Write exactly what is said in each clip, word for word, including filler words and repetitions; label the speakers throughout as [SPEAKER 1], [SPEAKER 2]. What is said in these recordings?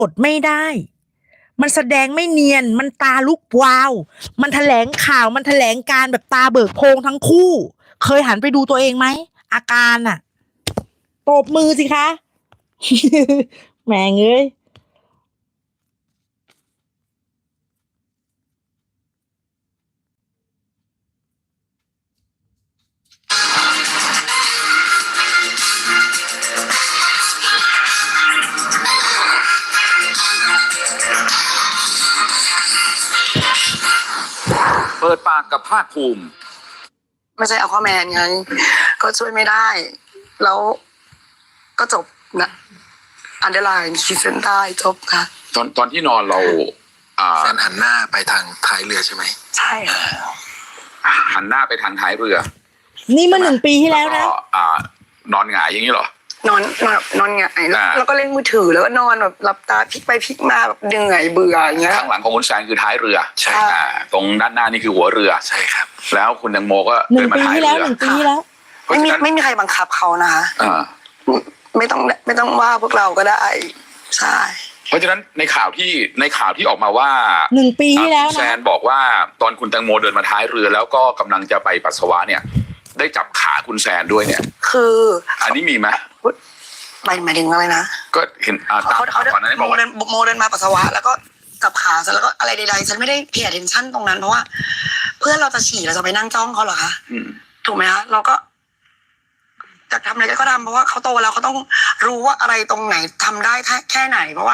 [SPEAKER 1] อดไม่ได้มันแสดงไม่เนียนมันตาลุกวาวมันแถลงข่าวมันแถลงการแบบตาเบิกโพรงทั้งคู่ เคยหันไปดูตัวเองไหมอาการอะตบมือสิคะ แหมงเอ้ย
[SPEAKER 2] เปิดปากกับภาคภูมิ
[SPEAKER 3] ไม่ใช่เอาข้อแมนไงก็ช่วยไม่ได้แล้วก็จบนะอันเดอร์ไลน์ขีดเส้นใต้จบค่ะ
[SPEAKER 2] ตอนตอนที่นอนเราอ่า
[SPEAKER 4] แฟนหันหน้าไปทางท้ายเรือใช่ไหม
[SPEAKER 3] ใช่
[SPEAKER 2] หันหน้าไปทางท้ายเรือ
[SPEAKER 1] นี่เมื่อหนึ่งปีที่แล้วนะ
[SPEAKER 2] อ่านอนหงายอย่างนี้เหร
[SPEAKER 3] อนอนนอนนอนหงายแล้วก็เล่นมือถือแล้วก็นอนแบบหลับตาพลิกไปพลิกมาแบบเหนื่อยเบื่ออย่างเงี้ย
[SPEAKER 2] ข้างหลังของคุณแซนคือท้ายเรือ
[SPEAKER 4] ใช่
[SPEAKER 2] ตรงด้านหน้านี่คือหัวเรือ
[SPEAKER 4] ใช่ครับ
[SPEAKER 2] แล้วคุณแตงโมก็
[SPEAKER 1] เดินมาท้ายเรือหนึ่งปีที่แล้ว
[SPEAKER 3] ไม่มีไม่มีใครบังคับเขานะคะไม่ต้องไม่ต้องว่าพวกเราก็ได้ใช่
[SPEAKER 2] เพราะฉะนั้นในข่าวที่ในข่าวที่ออกมาว่า
[SPEAKER 1] หนึ่งปีที่แล้วนะ
[SPEAKER 2] แซนบอกว่าตอนคุณแตงโมเดินมาท้ายเรือแล้วก็กำลังจะไปปัสสาวะเนี่ยได้จับขาคุณแซนด้วยเนี่ย
[SPEAKER 3] คือ
[SPEAKER 2] อันนี้มีไหม
[SPEAKER 3] หมายหมายถึงอะไรนะ
[SPEAKER 2] ก็เห็น
[SPEAKER 3] เขาเขาเดินโมเดินโมเดินมาปัสสาวะแล้วก็จับขาฉันแล้วก็อะไรใดๆฉันไม่ได้เพย์ attention ตรงนั้นเพราะว่าเพื่อนเราจะฉี่เราจะไปนั่งจ้องเขาเหรอคะถูกไหมคะเราก็จะทำอะไรก็ทำเพราะว่าเขาโตแล้วเขาต้องรู้ว่าอะไรตรงไหนทำได้แค่ไหนเพราะว่า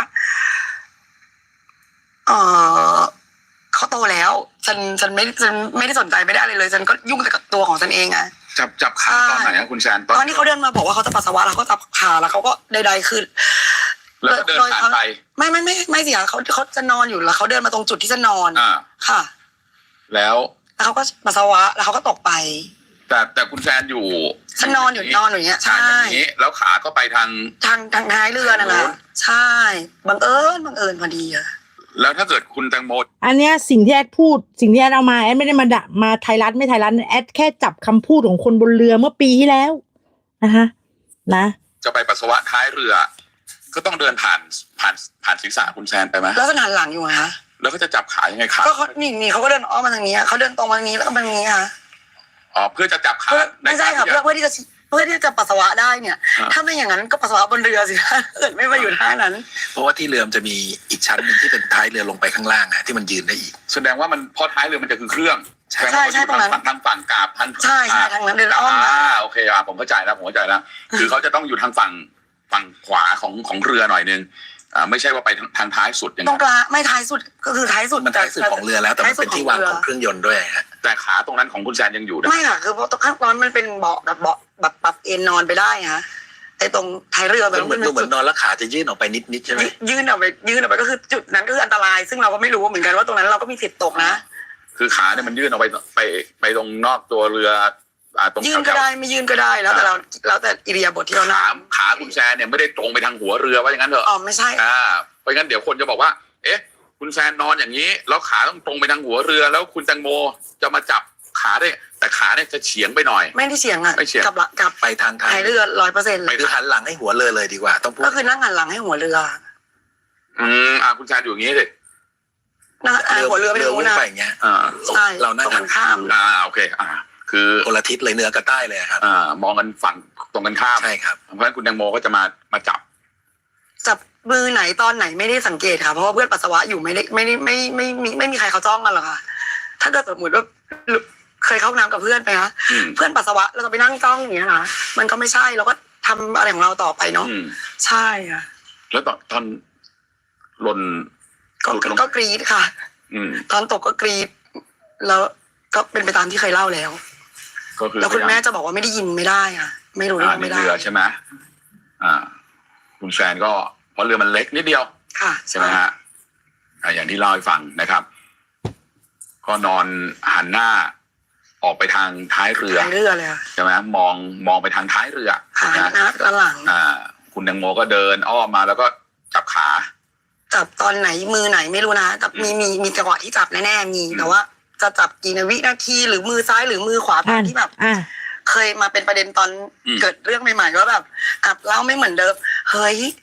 [SPEAKER 3] เออเขาโตแล้วฉันฉันไม่ฉันไม่ได้สนใจไม่ได้อะไรเลยฉันก็ยุ่งแต่กับตัวของฉันเองไง
[SPEAKER 2] จับจับขาตอนไหนอะคุณแซน
[SPEAKER 3] ตอนที่เขาเดินมาบอกว่าเขาจะปัสสาวะแล้วเขาจับขาแล้วเขาก็ใดๆคือ
[SPEAKER 2] แล้วเดินผ่านไป
[SPEAKER 3] ไม่ไม่ไม่ไม่สิเขาเขาจะนอนอยู่แล้วเขาเดินมาตรงจุดที่จะนอนค่ะ
[SPEAKER 2] แล้ว
[SPEAKER 3] แล้วเขาก็ปัสสาวะแล้วเขาก็ตกไป
[SPEAKER 2] แต่แต่คุณแซนอยู่
[SPEAKER 3] ฉันนอนอยู่นอนอย่างเงี้ยใช่
[SPEAKER 2] แล้วขาก็ไปทาง
[SPEAKER 3] ทางทางท้ายเรือนั่นแหละใช่บังเอิญบังเอิญพอดีอะ
[SPEAKER 2] แล้วถ้าเกิดคุณแตงโม
[SPEAKER 1] อันเนี้ยสิ่งที่แอดพูดสิ่งที่แอดเอามาแอดไม่ได้มาด่ามาไทยรัฐไม่ไทยรัฐแอดแค่จับคำพูดของคนบนเรือเมื่อปีที่แล้วนะคะนะ
[SPEAKER 2] จะไปปัสสาวะท้ายเรือก็ต้องเดินผ่านผ่านผ่านศีรษะคุณแซนไปไหม
[SPEAKER 3] แล้วจะหันหลังอยู่คะ
[SPEAKER 2] แล้วก็จะจับขายังไงขา
[SPEAKER 3] ก็เขานี่นี่เขาก็เดินอ้อมมาทางนี้เขาเดินตรงมาทางนี้แล้วก็มาทางนี้ค่ะ
[SPEAKER 2] อ๋อเพื่อจะจับขา
[SPEAKER 3] ไม่ใช่ค่ะเพื่อเพื่อที่จะเพื่อที่จะปัสสาวะได้เนี่ยถ้าไม่อย่างนั้นก็ปัสสาวะบนเรือสิคะเกิดไม่มาอยู่ท่านั้น
[SPEAKER 4] เพราะว่าที่เรือมันจะมีอีกชั้นหนึ่งที่เป็นท้ายเรือลงไปข้างล่างนะที่มันยืนได้อีก
[SPEAKER 2] แสดงว่ามันพอท้ายเรือมันจะคือเครื่อง
[SPEAKER 3] ใช่ใช่ตรงนั้น
[SPEAKER 2] ทางฝั่งกาบทาง
[SPEAKER 3] ใช่ใช่ทางนั้นเดินอ้อม
[SPEAKER 2] อ่าโอเคอ่ะผมเข้าใจแล้วผมเข้าใจแล้วคือเขาจะต้องอยู่ทางฝั่งฝั่งขวาของของเรือหน่อยนึงอ่าไม่ใช่ว่าไปทางท้ายสุดอย่าง
[SPEAKER 3] นั้นตรงกลางไม่ท้ายสุดก็คือท้ายสุด
[SPEAKER 4] มันท้ายสุดของเรือแล้วแต่มันเป็นที่วางของเครื่องยนต์ด้วยฮะ
[SPEAKER 2] แต่ขาตรงนั้นของคุณแซนยังอยู่
[SPEAKER 3] ไม่ค่ะคือเพราะตรงข้างตอนมันเป็นเบาะแบบเบาะแบบปรับเอนนอนไปได้ฮะไอ้ตรงท้ายเรือ
[SPEAKER 4] แบบมันเหมือนนอนแล้วขาจะยื่นออกไปนิดๆใช่ไหม
[SPEAKER 3] ยื่นออกไปยื่นออกไปก็คือจุดนั้นก็คืออันตรายซึ่งเราก็ไม่รู้เหมือนกันว่าตรงนั้นเราก็มีสิทธิ์ตกนะ
[SPEAKER 2] คือขาเนี่ยมันยื่นออกไปไปไปตรงนอกตัวเรือ
[SPEAKER 3] ยื่นก็ได้ไม่ยื่นก็ได้แล้วแต่เราแล้วแต่อิริยาบถที่เรา
[SPEAKER 2] ขาขาคุณแซนเนี่ยไม่ได้ตรงไปทางหัวเรือว่าอย่างนั้นเถอะ
[SPEAKER 3] อ๋อไม่ใช่
[SPEAKER 2] อ่าเพราะงั้นเดี๋ยวคนจะบอกว่าเอ๊ะคุณแซนนอนอย่างนี้แล้วขาต้องตรงไปทางหัวเรือแล้วคุณแตงโมจะมาจับขาได้แต่ขาเนี่ยจะเฉียงไปหน่อย
[SPEAKER 3] ไม่ได้เฉียงอ่ะ
[SPEAKER 2] ไม่เฉียง
[SPEAKER 3] กลับกลับ
[SPEAKER 4] ไปทางท้าย
[SPEAKER 3] เรือร้อยเปอร์เซ็นต์
[SPEAKER 4] ไปหันหลังให้หัวเรือเลยดีกว่าต้องพูด
[SPEAKER 3] ก็คือนั่งหันหลังให้หัวเรือ
[SPEAKER 2] อืมอ่าคุณแซนอยู่อย่างนี้สิ
[SPEAKER 3] นั่งหัวเรือไปดูนะ
[SPEAKER 4] ไปอย่างเงี้ย
[SPEAKER 3] อ่าใช่
[SPEAKER 4] เรานั่ง
[SPEAKER 3] ข้าม
[SPEAKER 2] อ่าโอเคอ่าคือ
[SPEAKER 4] คนละทิศเลยเหนือกับใต้เลยครับ
[SPEAKER 2] อ่ามองกันฝั่งตรงกันข้าม
[SPEAKER 4] ใช่ครับ
[SPEAKER 2] เพราะฉะนั้นคุณแตงโมก็จะมามาจับ
[SPEAKER 3] จับมือไหนตอนไหนไม่ได้สังเกตค่ะเพราะว่าเพื่อนปัสสาวะอยู่ไม่ได้ไม่ได้ไม่ไม่ไม่ไม่มีใครเขาจ้องกันหรอกค่ะถ้าเกิดสมมติว่าเคยเข้าน้ำกับเพื่อนไปคะเพื่อนปัสสาวะเราจะไปนั่งจ้องอย่างเงี้ยนะมันก็ไม่ใช่เราก็ทำอะไรของเราต่อไปเนาะใช่ค่ะ
[SPEAKER 2] แล้วตอนตอนหล่น
[SPEAKER 3] ก็กรี๊ดค่ะตอนตกก็กรี๊ดแล้วก็เป็นไปตามที่เคยเล่าแล้วแล้วคุณแม่จะบอกว่าไม่ได้ยินไม่ได้อ่ะไม่รู้เรื่องไม่ได้
[SPEAKER 2] เรือใช่ไหมอ่าคุณแซนก็เพราะเรือมันเล็กนิดเดียว
[SPEAKER 3] ค่ะ
[SPEAKER 2] ใช่ไหมฮะอย่างที่เล่าให้ฟังนะครับก็นอนหันหน้าออกไปทางท้ายเรือ
[SPEAKER 3] ท้ายเรือเลย
[SPEAKER 2] ใช่ไหมมองมองไปทางท้ายเรือ
[SPEAKER 3] หันหน้าหลัง
[SPEAKER 2] อ่าคุณแตงโมก็เดินอ้อมมาแล้วก็จับขา
[SPEAKER 3] จับตอนไหนมือไหนไม่รู้นะแต่มีมีมีจังหวะที่จับแน่ๆมีแต่ว่าจะจับกี่วินาทีหรือมือซ้ายหรือมือขวาตามที่แบบเคยมาเป็นประเด็นตอนเกิดเรื่องใหม่ๆว่าแบบอับเล่าไม่เหมือนเดิมเฮ้ย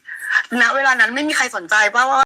[SPEAKER 3] ณเวลานั้นไม่มีใครสนใจว่าว่า